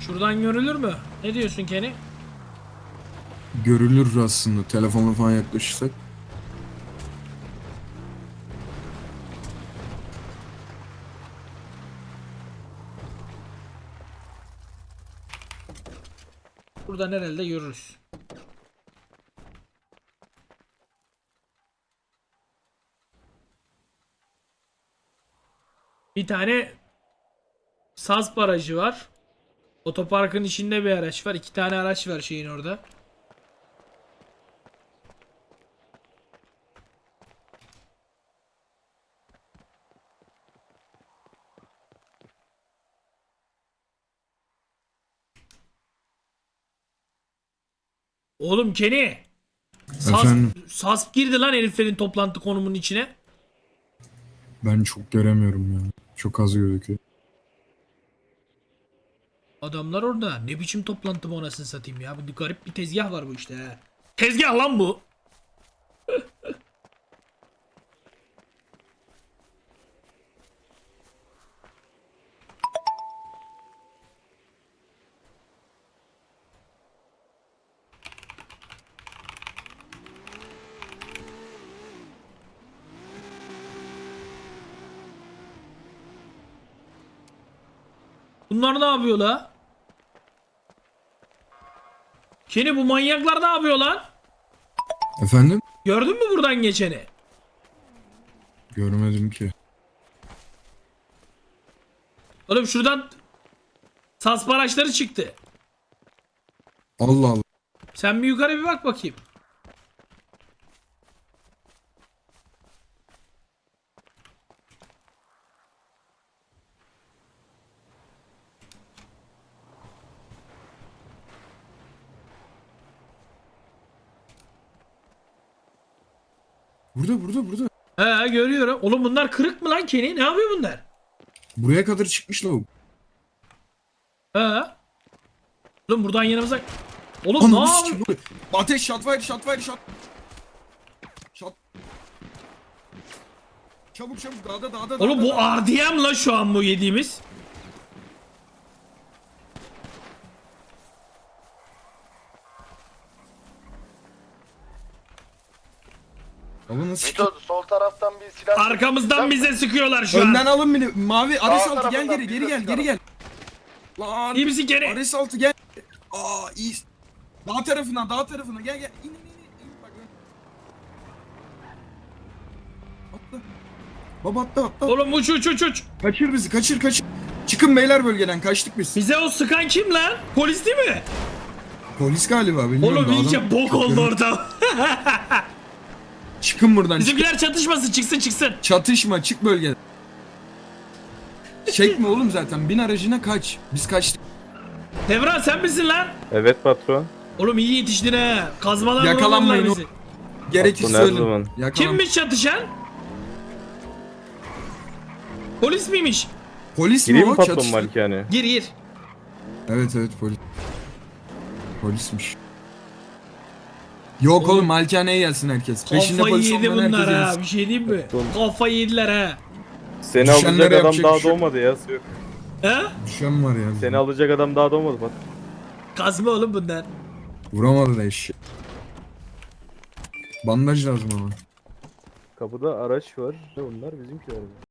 Şuradan görülür mü? Ne diyorsun Kenny? Görülür aslında. Telefona falan yaklaşırsak. Buradan herhalde görürüz. Bir tane Saz barajı var. Otoparkın içinde bir araç var. 2 tane araç var şeyin orada. Oğlum Kenny. Efendim? Sas girdi lan heriflerin toplantı konumunun içine. Ben çok göremiyorum ya. Çok az gözüküyor. Adamlar orada. Ne biçim toplantı bu anasını satayım ya. Bu garip bir tezgah var bu işte he. Tezgah lan bu. Bunlar ne yapıyor la? Kenny bu manyaklar ne yapıyor lan? Efendim? Gördün mü buradan geçeni? Görmedim ki. Oğlum şuradan sas araçları çıktı. Allah Allah. Sen bir yukarı bir bak bakayım. Burada. He görüyorum. Oğlum bunlar kırık mı lan Kenny? Ne yapıyor bunlar? Buraya kadar çıkmış lavuk. He. Oğlum buradan yanımıza... Oğlum ne Ananı yapıyor? sikim. Ateş, shot. Shot. Çabuk dağda. Oğlum bu RDM la şu an bu yediğimiz. Alın sikim. Mito sol taraftan bir silah... Arkamızdan bize sıkıyorlar şu Önden an. alın beni. Mavi Ares Sağ altı gel tarafından geri bize gel. sıkalım. Lan. İyi misin Kenny? Ares altı gel. Aa iyi. Dağ tarafına gel. İn. Bak. Atla. Baba atla. Oğlum uç. Kaçır bizi kaçır. Çıkın beyler bölgeden kaçtık biz. Bize o sıkan kim lan? Polis değil mi? Polis galiba bilmiyorum. Oğlum da iyice adam- bok oldu orada. Çıkın buradan. Bizimkiler çatışmasın çıksın. Çatışma çık bölgeden. Çekme oğlum zaten bin aracına kaç. Biz kaçtık. Devran sen misin lan? Evet patron. Oğlum iyi yetiştin he. Kazmalar Yakalanmayın vururlar bizi. Gerekirse Patron her ölün. zaman. Yakalan. Kimmiş çatışan? Polis miymiş? Polis mi Gireyim o? mi patron Çatıştı. malikane? Gir. Evet polis. Polismiş. Yok oğlum malikaneye gelsin herkes. Peşinde Kafayı polis yedi olmayan bunlar herkes ha. gelsin. Bir şey diyeyim mi? Patron. Kafayı yediler ha. Seni Düşenlere alacak adam yapacak daha bir şey yok. doğmadı ya. Yok. He? Düşen var ya. Seni alacak adam daha doğmadı patron. Kazma oğlum bunlar. Vuramadı da eşeği. Bandaj lazım ama. Kapıda araç var. Bunlar bizimkiler.